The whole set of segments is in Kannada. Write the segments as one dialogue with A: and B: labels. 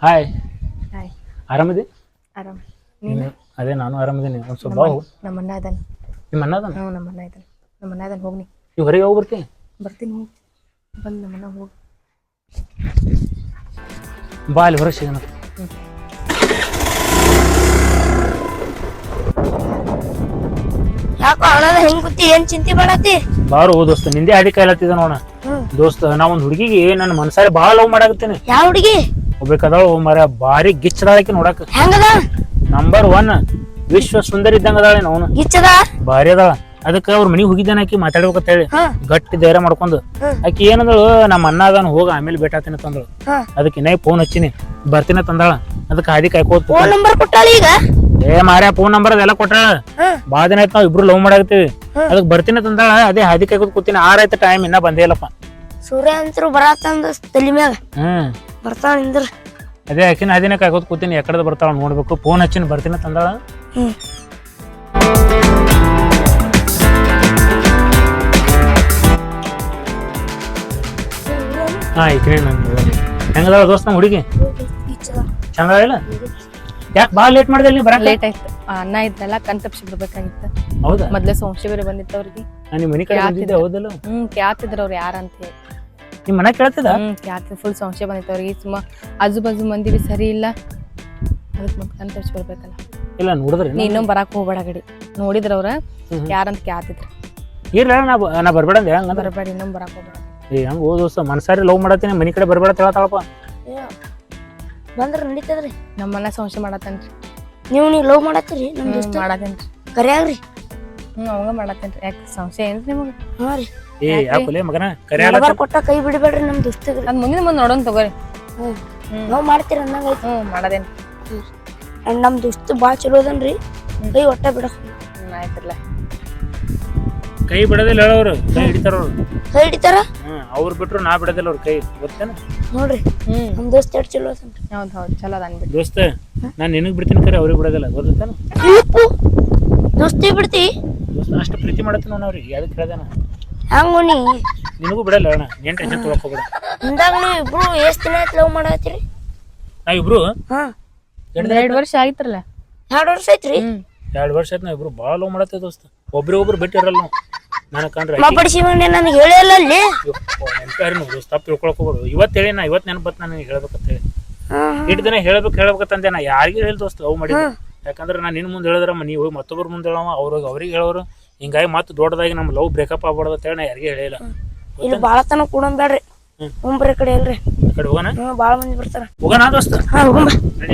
A: Hi,
B: hi.
A: ಆರಾಮಿದೆ?
B: ಆರಾಮ್. ನೀನು?
A: ಅದೇ ನಾನು ಆರಾಮಿದ್ದೀನಿ. ಒಂದು ಸ್ವಲ್ಪ ಬಾವು.
B: ನಮ್ಮ ಅಣ್ಣ ಇದ್ದಾನೆ.
A: ನಿಮ್ಮ ಅಣ್ಣ ಅದಾನ?
B: ಹ್ಞೂ, ನಮ್ಮ ಅಣ್ಣ ಇದ್ದಾನೆ. ನಮ್ಮ ಅಣ್ಣ ಇದ್ದಾನೆ, ಹೋಗಿ.
A: ನೀವು ಹೊರಗೆ ಹೋಗಿ ಬರ್ತೀನಿ.
B: ಬರ್ತೀನಿ, ಹೋಗಿ ಬಂದು ನಮ್ಮ ಅಣ್ಣ ಹೋಗಿ.
A: ಬಾ ಅಲ್ಲಿ ಹೊರಗೆ ಸಿಗೋಣ.
C: ಯಾಕೋ ಅಣ್ಣದ ಹೆಂಗ್ ಗೊತ್ತಿ ಏನ್ ಚಿಂತೆ ಮಾಡತ್ತಿ?
A: ಬಾರು ದೋಸ್ತ, ನಿಂದೆ ಹಾಡಿ ಕಾಯ್ಲತ್ತಿದ ನೋಡ ದೋಸ್ತ. ನಾ ಒಂದು ಹುಡುಗಿಗೆ ನನ್ನ ಮನಸಾರಿ ಭಾಳ ಲವ್ ಮಾಡಾಕತ್ತೀನಿ.
C: ಯಾವ ಹುಡುಗಿ?
A: ಒಬ್ಬೇಕದಾಳು ಮರ, ಭಾರಿ ಗಿಚ್ಚದಾಳಕಿ ನೋಡಾಕ.
C: ಹೆಂಗದ?
A: ನಂಬರ್ 1 ವಿಶ್ವ ಸುಂದರಿ ಇದ್ದಂಗ ಅದಾಳೆ. ಅವನು
C: ಗಿಚ್ಚದ?
A: ಭಾರಿ ಅದಾಳ. ಅದಕ್ಕೆ ಅವ್ರ ಮನಿಗೆ ಹೋಗಿದ್ದಾನ. ಆಕಿ ಮಾತಾಡ್ಬೇಕಂತ ಹೇಳಿ ಗಟ್ಟಿ ಧೈರ್ಯ ಮಾಡ್ಕೊಂಡು ಆಕಿ ಏನಂದಳು, ನಮ್ಮ ಅಣ್ಣ ಅದಾನ, ಹೋಗ ಆಮೇಲೆ ಭೇಟಾತೀನಿ ತಂದಳು. ಅದಕ್ಕೆ ಇನ್ನೇ ಫೋನ್ ಹಚ್ಚಿನಿ, ಬರ್ತೀನಿ ತಂದಾಳ. ಅದಕ್ಕೆ ಹಾದಿ ಕಾಯ್ಕೋತ
C: ಫೋನ್ ನಂಬರ್ ಕೊಟ್ಟಾಳ ಈಗ?
A: ಮಾರ್ಯ ಫೋನ್ ನಂಬರ್ ಅದೆಲ್ಲ ಕೊಟ್ಟಾಳ. ಬಾಳ ದಿನ ಆಯ್ತು ನಾವ್ ಇಬ್ರು ಲವ್ ಮಾಡಾಕತ್ತೀವಿ. ಅದಕ್ಕೆ ಬರ್ತೀನಿ ತಂದಾಳ. ಅದೇ ಹಾದಿ ಕಾಯ್ಕೋತ ಕೂತೀನಿ. 6 ಆಯ್ತು ಟೈಮ್, ಇನ್ನ ಬಂದೇ ಇಲ್ಲಪ್ಪ.
C: ಸೂರ್ಯ ಅಂತರು ಬರತ್ತಂದ ತಲಿ ಮ್ಯಾಗ ಬರ್ತಾಳ ನಿಂದ್ರ.
A: ಅದೇ ಆಕಿನ ಹಾದಿನ ಕಾಯ್ಕೋತ ಕೂತೀನಿ, ಎಕಡೆ ಬರ್ತಾಳ ನೋಡ್ಬೇಕು. ಫೋನ್ ಹಚ್ಚಿನಿ, ಬರ್ತೀನಿ ತಂದಾಳ. ಹಾ, ಈಕಿನೇ ನಂದು. ಹೆಂಗದಾಳ ದೋಸ್ತ ನಮ್ಮ ಹುಡುಗಿ? ಚಂದ ಇಲ್ಲ? ಯಾಕೆ ಭಾಳ ಲೇಟ್ ಮಾಡಿದೆ ನೀ ಬರಕ್ಕೆ?
B: ಲೇಟ್ ಆಯ್ತು. ಅಣ್ಣ ಇದ್ನಲ್ಲ, ಕಣ್ ತಪ್ಸಿ ಬಿಡ್ಬೇಕಾಗಿತ್ತು.
A: ಹೌದಾ?
B: ಮೊದ್ಲೇ ಸಂಶಯ ಬೇರೆ ಬಂದಿತ್ತು ಅವ್ರಿಗೆ.
A: ನಿಮ್ಮ ಮನೆ ಕಡೆ ಬಂದಿದ್ದೆ, ಹೌದಲ್ಲ?
B: ಕೇಳ್ತಿದ್ರು ಅವ್ರು ಯಾರಂತ ಹೇಳಿ.
A: ನಿಮ್ಮ ಮನೆ ಕೇಳ್ತಿದ?
B: ಕೇಳ್ತಿದ್ ಫುಲ್ ಸಂಶಯ ಬಂದಿತ್ತು ಅವ್ರಿಗೆ. ಸುಮ್ಮ ಆಜು ಬಾಜು ಮಂದಿ ಬಿ ಸರಿ ಇಲ್ಲ. ಅದಕ್ಕೆ ಮತ್ತೆ ಕಣ್ ತಪ್ಸಿ ಬರ್ಬೇಕಲ್ಲ.
A: ಇಲ್ಲ ನೋಡಿದ್ರಿ?
B: ನೀ ಇನ್ನೊಮ್ಮೆ ಬರಾಕ್ ಹೋಗ್ಬೇಡ ಗಡಿ. ನೋಡಿದ್ರ ಅವ್ರ ಯಾರಂತ ಕೇಳ್ತಿದ್ರು.
A: ಇಲ್ಲ ನಾ ಬರ್ಬೇಡ ಅಂದೆ. ಹಂಗ
B: ಬರಬೇಡ, ಇನ್ನೊಮ್ಮೆ ಬರಾಕ್ ಹೋಗ್ಬೇಡ.
A: ಹಂಗ ಓದೋಸ ಮನ್ಸಾರಿ ಲವ್ ಮಾಡತ್ತೀನಿ, ಮನಿ ಕಡೆ ಬರ್ಬೇಡ ಹೇಳ್ತಾಳಪ್ಪ.
C: ಬಂದ್ರ ನಡೀತದ್ರಿ.
B: ನಮ್ಮನ್ನ ಸಂಶಯ ಮಾಡತ್ತೇನ್ರಿ.
C: ನೀವು ಲವ್ ಮಾಡತ್ತೀರಿ? ನಮ್ ದೋಸ್ತ
B: ಮಾಡತ್ತೇನ್ರಿ.
C: ಕರ್ಯಾಗ್ರಿ.
B: ಅವಂಗ ಮಾಡತ್ತೇನ್ರಿ. ಯಾಕೆ ಸಂಶಯ ಏನ್ರಿ ನಿಮಗೆ?
C: ಹಾ ರೀ.
A: ಯಾಕಲೆ ಮಗನ
C: ನಂಬರ್ ಕೊಟ್ಟ ಕೈ ಬಿಡಬೇಡ್ರಿ ನಮ್ ದೋಸ್ತಗ್ರಿ.
B: ಅದ್ ಮುಂದಿನ ಮುಂದೆ ನೋಡೋಣ ತಗೋರಿ.
C: ಲವ್ ಮಾಡ್ತೀರ ಅನ್ನಂಗ ಐತಿ.
B: ಮಾಡದೇನ್.
C: ನಮ್ ದೋಸ್ತ ಬಾಳ ಚಲೋ ಅದನ್ರಿ. ಕೈ ಒಟ್ಟ ಬಿಡಕ್.
B: ಆಯ್ತಿರ್ಲ.
A: ಕೈ ಬಿಡೋದಿಲ್ಲ ಹೇಳೋರು, ಕೈ ಹಿಡಿತಾರ ಅವ್ರು.
C: ಕೈ ಹಿಡಿತಾರ?
A: ಅವ್ರು ಬಿಟ್ರು ನಾ ಬಿಡೋದಿಲ್ಲ ಅವ್ರ ಕೈ, ಗೊತ್ತೇನ?
C: ನೋಡ್ರಿ ನಮ್ ದೋಸ್ತ ಎಷ್ಟ್ ಚಲೋ ಅದನ್ರಿ.
B: ಹೌದ್ ಚಲೋ ಅದ ಅನ್ಬಿಟ್ಟು.
A: ದೋಸ್ತ, ನಾನ್ ನಿನಗ್ ಬಿಡ್ತೀನಿ ಕರೆ, ಅವ್ರಿಗೆ ಬಿಡೋದಿಲ್ಲ, ಗೊತ್ತೇನ?
C: ದೋಸ್ತಿ ಬಿಡ್ತಿ?
A: ದೋಸ್ತ ಅಷ್ಟು ಪ್ರೀತಿ ಮಾಡತ್ತೀನಿ ನಾನು ಅವ್ರಿಗೆ, ಅದಕ್ಕೆ ಹೇಳ್ದೇನ.
C: ಹಂಗ ನೀ
A: ನಿನಗೂ ಬಿಡಲ್ಲ ಅಣ್ಣ, ಏನ್ ಟೆನ್ಷನ್ ತೊಗೊಳಕ್ ಹೋಗ್ಬೇಡ.
C: ಹಿಂದಾಗ ನೀವ್ ಇಬ್ರು ಎಷ್ಟ್ ದಿನ ಆಯ್ತು ಲವ್ ಮಾಡತ್ತೀರಿ?
A: ನಾವಿಬ್ರು
B: 2 ವರ್ಷ ಆಗಿತ್ರಲ್ಲ.
C: 2 ವರ್ಷ ಐತ್ರಿ?
A: 2 ವರ್ಷ ಆಯ್ತು. ನಾವಿಬ್ರು ಭಾಳ ಲವ್ ಮಾಡತ್ತೇವೆ ದೋಸ್ತ. ಒಬ್ರಿಗೊಬ್ರು ಬಿಟ್ಟಿರಲ್ಲ ನಾವು. ನನಗೆ ಕಂಡ್ರೆ
C: ಮಾಪಡಿಸಿ ನನಗೆ ಹೇಳಿಲ್ಲ ಅಲ್ಲಿ.
A: ದೋಸ್ತ ತಪ್ಪು ತಿಳ್ಕೊಳಕ್ ಹೋಗ್ಬೇಡು. ಇವತ್ತು ಹೇಳಿ ನಾ ಇವತ್ತು ನೆನಪತ್ತು ನನಗೆ ಹೇಳ್ಬೇಕಂತ ಹೇಳಿ. ಇಟ್ಟು ದಿನ ಹೇಳ್ಬೇಕಂತಂದೆ. ನಾ ಯಾರಿಗೂ ಹೇಳಿ ದೋಸ್ತ ಲವ್ ಮಾಡಿ. ಯಾಕಂದ್ರೆ ನಾನು ನಿನ್ನ ಮುಂದೆ ಹೇಳಿದ್ರ ನೀವು ಹೋಗಿ ಮತ್ತೊಬ್ಬರ ಮುಂದೆ ಹೇಳವ, ಅವ್ರಿಗೆ ಹೇಳೋರು. ಹಿಂಗಾಗಿ ಮತ್ತೆ ದೊಡ್ಡದಾಗಿ ನಮ್ಮ ಲವ್ ಬ್ರೇಕಪ್ ಆಗ್ಬಾರ್ದು ಅಂತ ಹೇಳಿ ನಾ ಯಾರಿಗೆ ಹೇಳಿಲ್ಲ.
C: ಇಲ್ಲಿ ಬಾಳ ತನ ಕೂಡಂಬೇಡ್ರಿ. ಮುಂಬ್ರಿ ಕಡೆ ಅಲ್ರಿ.
A: ಕಡೆ ಹೋಗೋಣ?
C: ಬಾಳ ಮಂದಿ ಬರ್ತಾರ.
A: ಹೋಗೋಣ ದೋಸ್ತ.
C: ಹೋಗಂಬ.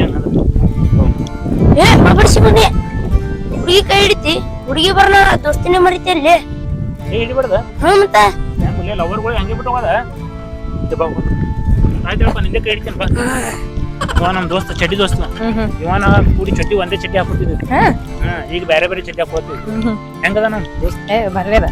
C: ಮಾಪಡಿಸಿ ಬನ್ನಿ. ಹುಡುಗಿ ಕೈ ಹಿಡಿತಿ, ಹುಡುಗಿ ಬರ್ನ ದೋಸ್ತಿನೇ ಮರಿತಿ ಅಲ್ಲಿ.
A: ಹಿಡಿಬಾರ್ದ?
C: ಮತ್ತ
A: ಲವರ್ಗಳು ಹಂಗೆ ಬಿಟ್ಟು ಹೋಗೋದ? ಆಯ್ತಪ್ಪ, ನಿಂದೆ ಕೈ ಹಿಡಿತೇನೆ ಬಾ. ಇವ ನಮ್ ದೋಸ್ತ, ಚಡ್ಡಿ ದೋಸ್ತ. ಇವನ ಕೂಡಿ ಚಡ್ಡಿ ಒಂದೇ ಚಡ್ಡಿ ಹಾಕೋತಿದ್ವಿ. ಈಗ ಬೇರೆ ಬೇರೆ ಚಡ್ಡಿ ಹಾಕೋತೀವಿ. ಹೆಂಗದ ನಮ್ ದೋಸ್ತ?
B: ಬರ್ಲೇದ.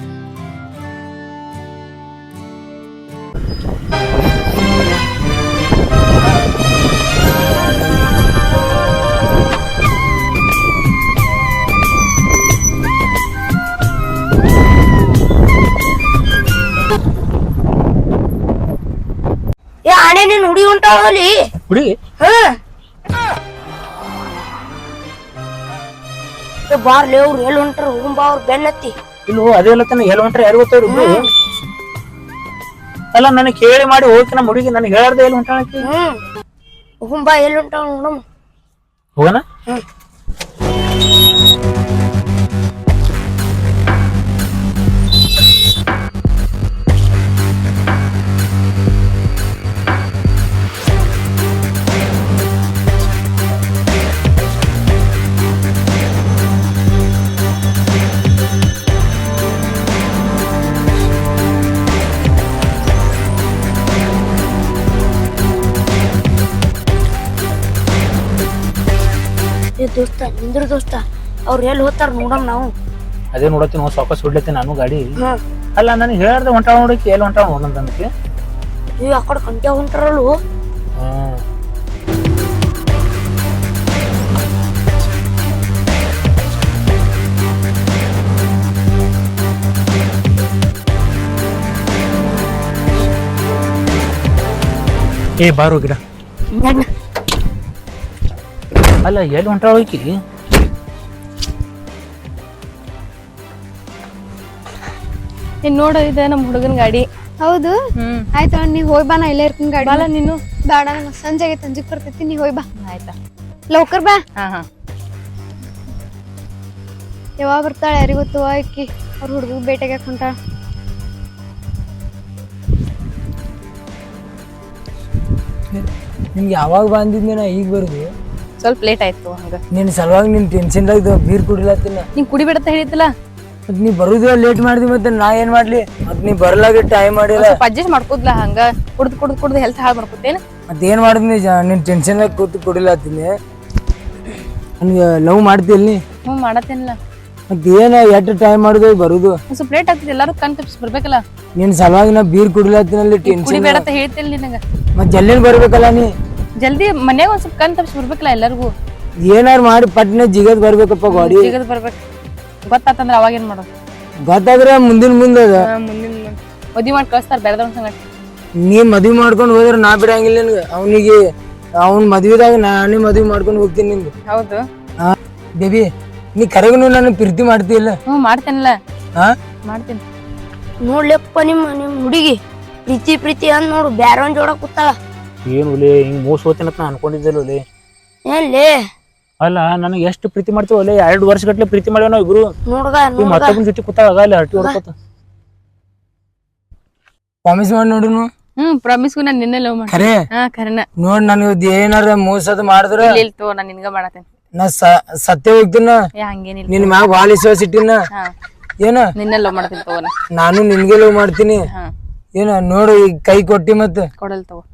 C: ಆಣೆ ನೀನ್ ಹುಡುಗಿ ಉಂಟಾವಲ್ಲಿ
A: ಹುಡುಗಿ
C: ಬಾರ್ಲಿ ಅವ್ರು ಎಲ್ಲಿ ಹೊಂಟಾರ? ಹೋಗುಂಬಾ, ಅವ್ರು ಬೆನ್ನತ್ತಿ.
A: ಇಲ್ಲೋ ಅದೇ ಅಲ್ಲತ್ತಾನ, ಎಲ್ಲಿ ಹೊಂಟ್ರೆ ಯಾರು ಗೊತ್ತವ್ರು ಇಬ್ರು? ಅಲ್ಲ ನನಗೆ ಕೇಳಿ ಮಾಡಿ ಹೋಗಿ ನಮ್ಮ ಹುಡುಗಿ ನನಗೆ ಹೇಳಾರ್ದೆ ಎಲ್ಲಿ ಹೊಂಟಾಳಕಿ.
C: ಹೋಗುಂಬಾ, ಎಲ್ಲಿ ಹೊಂಟಾವ ನೋಡಮ್ಮ.
A: ಹೋಗೋಣ?
C: ದೋಸ್ತ ನಿಂದ್ರ ದೋಸ್ತ, ಅವ್ರು ಎಲ್ಲಿ ಹೋಗ್ತಾರ ನೋಡಮ್ ನಾವು.
A: ಅದೇ ನೋಡತ್ತೀನಿ, ನಾವು ಸಾಕಸ್ ಬಿಡ್ಲತ್ತೀನಿ ನಾನು ಗಾಡಿ. ಅಲ್ಲ ನನಗೆ ಹೇಳಾರ್ದೆ ಹೊಂಟಾಳ ನೋಡಕ್ಕೆ, ಎಲ್ಲಿ ಹೊಂಟಾಳ ನೋಡಂತಂದಕ್ಕೆ.
C: ಆ ಕಡೆ ಕಂಟ್ಯಾ ಹೊಂಟಾರಲ್ಲು.
A: ಬಾರೋ ಗಿಡ. ಅಲ್ಲ ಎಲ್ಲಿ ಹೊಂಟಾಳ ಹೋಗಿ
B: ನೀನ್ ನೋಡ ಇದೆ ನಮ್ಮ ಹುಡುಗನ ಗಾಡಿ.
D: ಹೌದು ಆಯ್ತಾ, ನೀ ಹೋಯ್ ಬಾ, ನಾ ಇಲ್ಲೇ ಇರ್ತೀನಿ ಗಾಡಿ.
B: ಬಾಲ ನೀನು.
D: ಬೇಡ, ನಂಗೆ ಸಂಜೆ ಆಗೈತೆ, ಸಂಜೆಗೆ ಬರ್ತೈತಿ, ನೀ ಹೋಯ್ ಬಾ.
B: ಆಯ್ತಾ,
D: ಲೌಕರ್ ಬಾ.
B: ಹಾ.
D: ಯಾವಾಗ ಬರ್ತಾಳೆ ಯಾರಿಗ್ ಗೊತ್ತು, ಆಕಿ ಅವ್ರ ಹುಡುಗ ಬೇಟೆಗೆ ಹೊಂಟಾಳ.
E: ನಿಮ್ಗೆ ಯಾವಾಗ ಬಂದಿದ್ದೆ ನಾ ಈಗ ಬರುದು?
B: ಸ್ವಲ್ಪ ಲೇಟ್ ಆಯ್ತು ಹಂಗ.
E: ನಿನ್ ಸಲುವಾಗಿ ನಿನ್ ಟೆನ್ಷನ್ದಾಗ ಬೀರ್ ಕುಡಿಲತ್ತಿನ.
B: ನೀನ್ ಕುಡಿಬೇಡತ್ತ ಹೇಳಿತ್ತಲ್ಲ.
E: ಮತ್ ನೀ ಬರುದ ಲೇಟ್ ಮಾಡ್ದಿ, ಮತ್ತೆ ನಾ ಏನ್ ಮಾಡ್ಲಿ? ಮತ್ ನೀ ಬರ್ಲಾಗ ಟೈಮ್ ಮಾಡಿಲ್ಲ.
B: ಸ್ವಲ್ಪ ಅಡ್ಜಸ್ಟ್ ಮಾಡ್ಕೋದ್ಲ ಹಂಗ. ಕುಡ್ದು ಹೆಲ್ತ್ ಹಾಳು ಮಾಡ್ಕೋತೇನ.
E: ಮತ್ ಏನ್ ಮಾಡಿದ್ನಿ? ನಿನ್ ಟೆನ್ಷನ್ದಾಗ ಕೂತು ಕುಡಿಲತ್ತೀನಿ. ನನ್ಗೆ ಲವ್ ಮಾಡ್ತಿಲ್ ನೀ?
B: ಮಾಡತ್ತೇನಿಲ್ಲ.
E: ಮತ್ ಏನ ಎಷ್ಟು ಟೈಮ್ ಮಾಡುದು ಬರುದು?
B: ಸ್ವಲ್ಪ ಲೇಟ್ ಆಗ್ತದೆ, ಎಲ್ಲಾರು ಕಣ್ ತಪ್ಪಿಸಿ ಬರ್ಬೇಕಲ್ಲ.
E: ನಿನ್ ಸಲುವಾಗಿ ನಾ ಬೀರ್ ಕುಡಿಲತ್ತಿನಲ್ಲಿ ಟೆನ್ಷನ್.
B: ಕುಡಿಬೇಡತ್ತ ಹೇಳ್ತಿಲ್ಲ ನಿನಗ.
E: ಮತ್ ಜಲ್ದಿನ ಬರ್ಬೇಕಲ್ಲ ನೀ.
B: ಜಲ್ದಿ ಮನ್ಯಾಗ ಒಂದ್ ಸ್ವಲ್ಪ ಕಣ್ ತಪ್ಪಿಸಿ ಬರ್ಬೇಕಲ್ಲ ಎಲ್ಲರಿಗೂ.
E: ಏನಾರು ಮಾಡಿ ಪಟ್ನೆ ಜಿಗದ್ ಬರ್ಬೇಕಪ್ಪ ಗಾಡಿ.
B: ಜಿಗದ್ ಬರ್ಬೇಕು. ಗೊತ್ತಾತಂದ್ರ ಅವಾಗ ಏನ್ ಮಾಡೋದು?
E: ಗೊತ್ತಾದ್ರೆ ಮುಂದಿನ ಮುಂದದ.
B: ಮುಂದಿನ ಮದ್ವಿ ಮಾಡಿ ಕಳಿಸ್ತಾರ ಬೇರೆದವ್ನ ಸಂಗಟ.
E: ನೀ ಮದ್ವಿ ಮಾಡ್ಕೊಂಡು ಹೋದ್ರೆ ನಾ ಬಿಡಂಗಿಲ್ಲ ನಿನ್ಗೆ. ಅವನಿಗೆ ಅವ್ನ ಮದ್ವಿದಾಗ ನಾನೇ ಮದ್ವಿ ಮಾಡ್ಕೊಂಡು ಹೋಗ್ತೀನಿ ನಿನ್ಗೆ.
B: ಹೌದು
E: ಬೇಬಿ, ನೀ ಕರೆಗೂ ನನ್ನ ಪ್ರೀತಿ ಮಾಡ್ತೀಯಲ್ಲ?
B: ಮಾಡ್ತೇನಲ್ಲ.
E: ಹಾ,
B: ಮಾಡ್ತೀನಿ.
C: ನೋಡ್ಲೆಪ್ಪ ನಿಮ್ ಹುಡುಗಿ ಪ್ರೀತಿ ಅಂದ್ ನೋಡು ಬ್ಯಾರ ಒಂದ್ ಜೋಡ ಕೂತಾಳ.
A: ಏನು ಒಲೆ ಹಿಂಗ್ ಮೋಸ ಹೋಗ್ತೇನಂತ ನಾ ಅನ್ಕೊಂಡಿದ್ದಿಲ್ಲ ಒಲೆ.
C: ಏನ್ಲೇ
A: ಅಲ್ಲ ನನಗೆ ಎಷ್ಟು ಪ್ರೀತಿ ಮಾಡ್ತೀವಿ ಒಲೆ. 2 ವರ್ಷ ಗಟ್ಲೆ ಪ್ರೀತಿ ಮಾಡ್ಯಾವ ನಾವು ಇಬ್ರು.
C: ನೋಡ್ಗ
A: ಮತ್ತೊಬ್ಬನ ಜೊತೆ ಕೂತಾಳ ಅಲ್ಲಿ ಹರಟಿ ಹೊಡ್ಕೋತ.
E: ಪ್ರಾಮಿಸ್ ಮಾಡಿ ನೋಡುನು.
B: ಪ್ರಾಮಿಸ್ಗೂ ನಾನು ನಿನ್ನೆ ಲವ್ ಮಾಡಿ.
E: ಖರೆ
B: ಖರೇನ.
E: ನೋಡ್ ನನಗೆ ಏನಾರ ಮೋಸದ ಮಾಡಿದ್ರ
B: ತೋ ನಾನು ನಿನ್ಗ ಮಾಡತ್ತೇನೆ.
E: ನಾ ಸತ್ಯ ಹೋಗ್ತೀನ.
B: ಹಂಗೇನಿಲ್ಲ.
E: ನಿನ್ ಮ್ಯಾಗ ಭಾಳ ವಿಶ್ವಾಸ ಇಟ್ಟಿನ. ಏನ
B: ನಿನ್ನೆ ಲವ್ ಮಾಡ್ತೀನಿ ತಗೋ.
E: ನಾನು ನಿನ್ಗೆ ಲವ್ ಮಾಡ್ತೀನಿ. ಏನ ನೋಡು, ಈಗ ಕೈ ಕೊಟ್ಟಿ ಮತ್ತ
B: ಕೊಡಲ್ ತಗೋ.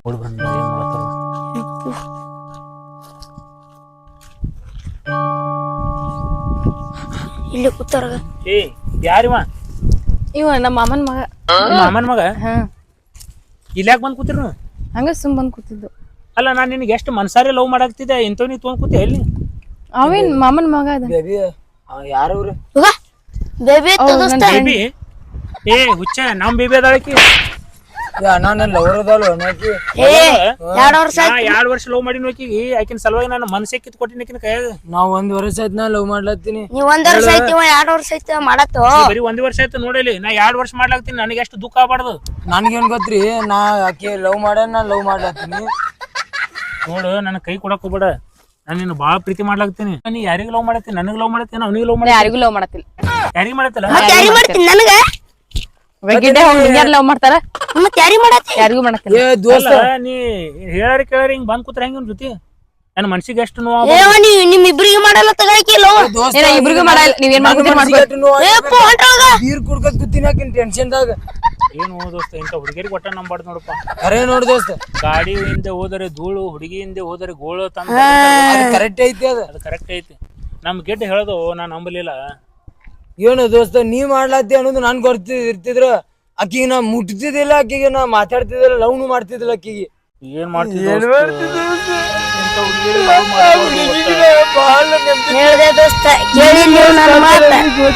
C: ಇಲ್ಲಿ ಕೂತಾರ.
A: ಏ ಯಾರಿವ?
B: ಇವ ನಮ್ಮ ಮಾಮನ್ ಮಗ.
A: ಮಾಮನ ಮಗ? ಇಲ್ಲಿ ಯಾಕೆ ಬಂದ್ ಕೂತಿರ್ ನೀವು?
B: ಹಂಗ ಸುಮ್ ಬಂದ್ ಕೂತಿದ್ದು.
A: ಅಲ್ಲ ನಾನು ನಿನಗೆ ಎಷ್ಟು ಮನ್ಸಾರಿ ಲವ್ ಮಾಡಾಕ್ತಿದ್ದೆ, ಇಂಥವ್ ನೀ ತೊಗೊಂಡ್ ಕೂತಿ ಎಲ್ಲಿ?
B: ಅವೇನ್ ಮಾಮನ್ ಮಗ ಅದ.
E: ಬೇಬಿ ಯಾರವ್ರು?
C: Baby
A: baby? ಏ ಹುಚ್ಚ, ನಮ್ ಬೇಬಿ ಅದಾಳಕಿ.
E: ನಾನು ಲವರ್ ಅದಲ್ಲ ನಾಕಿ.
C: 2 ವರ್ಷ
A: 2 ವರ್ಷ ಲವ್ ಮಾಡಿ ನೋಕಿಗಿ ಆಕಿನ ಸಲುವಾಗಿ ನಾನು ಮನಸ್ಸೇ ಕಿತ್ ಕೊಟ್ಟಿನ ಆಕಿನ ಕೈಯಾಗ.
E: ನಾವ್ 1 ವರ್ಷ ಆಯ್ತು ನಾ ಲವ್ ಮಾಡ್ಲತ್ತೀನಿ.
C: ನೀವ್ 1 ವರ್ಷ ಐತಿ, 2 ವರ್ಷ ಐತಿ ಮಾಡತ್ತು.
A: ಬರೀ 1 ವರ್ಷ ಆಯ್ತು ನೋಡಲಿ. ನಾ 2 ವರ್ಷ ಮಾಡ್ಲಾಕ್ತೀನಿ, ನನಗೆ ಎಷ್ಟು ದುಃಖ ಆಗ್ಬಾರ್ದು.
E: ನನ್ಗೇನ್ ಗೊತ್ತ್ರಿ, ನಾ ಆಕೆ ಲವ್ ಮಾಡ ನಾ ಲವ್ ಮಾಡ್ಲತ್ತೀನಿ.
A: ನೋಡು, ನನ್ನ ಕೈ ಕೊಡಕ್ ಹೋಗ್ಬೇಡ. ನಾನು ನಿನ್ನ ಬಾಳ ಪ್ರೀತಿ ಮಾಡ್ಲಾಕ್ತೀನಿ. ನೀ ಯಾರಿಗ ಲವ್ ಮಾಡತ್ತೀನಿ? ನನಗೆ ಲವ್ ಮಾಡತ್ತೀನಿ, ಅವನಿಗೆ ಲವ್ ಮಾಡಿ.
B: ಯಾರಿಗೂ ಲವ್ ಮಾಡತ್ತಿಲ್ಲ.
A: ಯಾರಿಗ ಮಾಡತ್ತಲ್ಲ?
C: ಯಾರಿ ಮಾಡ್ತೀನಿ ನನಗ?
B: ಹುಡುಗಿಯರ್ ಲವ್ ಮಾಡ್ತಾರ,
C: ಮತ್ ಯಾರಿ ಮಾಡತ್ತಿ?
B: ಯಾರಿಗೂ ಮಾಡತ್ತಿಲ್ಲ.
E: ಏ ದೋಸ್ತ,
A: ನೀ ಹೇಳಾರಿ ಕೇಳಾರಿ ಹಿಂಗ್ ಬಂದ್ ಕೂತ್ರ ಹೆಂಗ್ ಜೊತೆ ನನ್ನ ಮನ್ಸಿಗೆ ಎಷ್ಟು ನೋವು.
C: ಏವ ನಿಮ್ ಇಬ್ರಿಗೆ ಮಾಡಲ್ಲ ತಗಾಕಿಲ್ಲ.
B: ಇಬ್ರಿಗೂ ಮಾಡಲ್ಲ. ನೀವೇನ್ ಮಾಡ್ಕೊತೀರಿ ಮಾಡ್ಕೊ.
E: ಬೀರ್ ಕುಡ್ಕತ್ ಕೂತೀನಿ ಆಕಿನ ಟೆನ್ಷನ್ದಾಗ.
A: ಏನು ದೋಸ್ತ, ಇಂಥ ಹುಡುಗಿಯರಿಗೆ ಒಟ್ಟ ನಂಬಾರ್ದು ನೋಡಪ್ಪ.
E: ಖರೆ ನೋಡ್ ದೋಸ್ತ,
A: ಗಾಡಿ ಹಿಂದೆ ಹೋದರೆ ಧೂಳು, ಹುಡುಗಿ ಹಿಂದೆ ಹೋದರೆ ಗೋಳು ತಂದ.
E: ಕರೆಕ್ಟ್ ಐತಿ ಅದ.
A: ಅದು ಕರೆಕ್ಟ್ ಐತಿ. ನಮ್ ಗೆಡ್ಡೆ ಹೇಳೋದು ನಾ ನಂಬಲಿಲ್ಲ.
E: ಏನು ದೋಸ್ತ, ನೀ ಮಾಡ್ಲತ್ತಿ ಅನ್ನೋದು ನನ್ ಇರ್ತಿದ್ರ ಆಕಿಗೆ ನಾ ಮುಟ್ತಿದ್ದಿಲ್ಲ, ಆಕಿಗೆ ನಾ ಮಾತಾಡ್ತಿದ್ದಿಲ್ಲ, ಲವ್ನು ಮಾಡ್ತಿದ್ದಿಲ್ಲ ಆಕಿಗೆ.
A: ಏನ್ ಮಾಡ್ತಿದ್ದೆ?
C: ಹೇಳ್ದೆ ದೋಸ್ತ, ಕೇಳಿ ನೀವು ನನ್ನ ಮಾತ.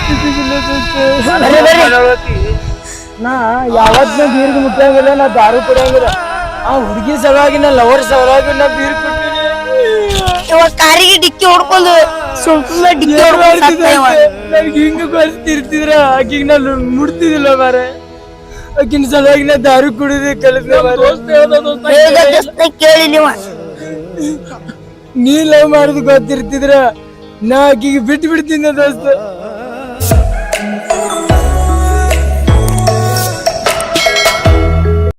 E: ನಾ ಯಾವತ್ ನಾ ಬೀರ್ಗೆ ಮುಟ್ಟಂಗಿಲ್ಲ, ನಾ ದಾರು ಕುಡಿಯಂಗಿಲ್ಲ. ಆ ಹುಡುಗಿ ಸಲುವಾಗಿ ನಾ ಲವರ್ ಸಲುವಾಗಿ ನಾ ಬೀರ್ ಕುಡ್ತೀನಿ.
C: ಇವಾಗ ಕಾರಿಗೆ ಡಿಕ್ಕಿ ಹೊಡ್ಕೊಂಡು ಸುಮ್ಸುಮ್ನೆ ಡಿಕ್ಕಿ ಹೊಡ್ಕೊಂಡು ಸತ್ತ ಇವ.
E: ನನ್ಗೆ ಹಿಂಗ ಕಲಿಸ್ತಿರ್ತಿದ್ರ ಆಕಿಗೆ ನಾ ಮುಡ್ತಿದ್ದಿಲ್ಲ ಮಾರೆ. ಆಕಿನ ಸಲುವಾಗಿ ನಾ ದಾರು ಕುಡಿದು ಕಲಿತ.
C: ಹೇಳ್ದೆ ದೋಸ್ತ, ಕೇಳಿ ನೀವ.
E: ನೀ ಲವ್ ಮಾಡುದು ಗೊತ್ತಿರ್ತಿದ್ರ ನಾ ಆಕಿಗೆ ಬಿಟ್ಟು ಬಿಡ್ತೀನಿ ದೋಸ್ತ.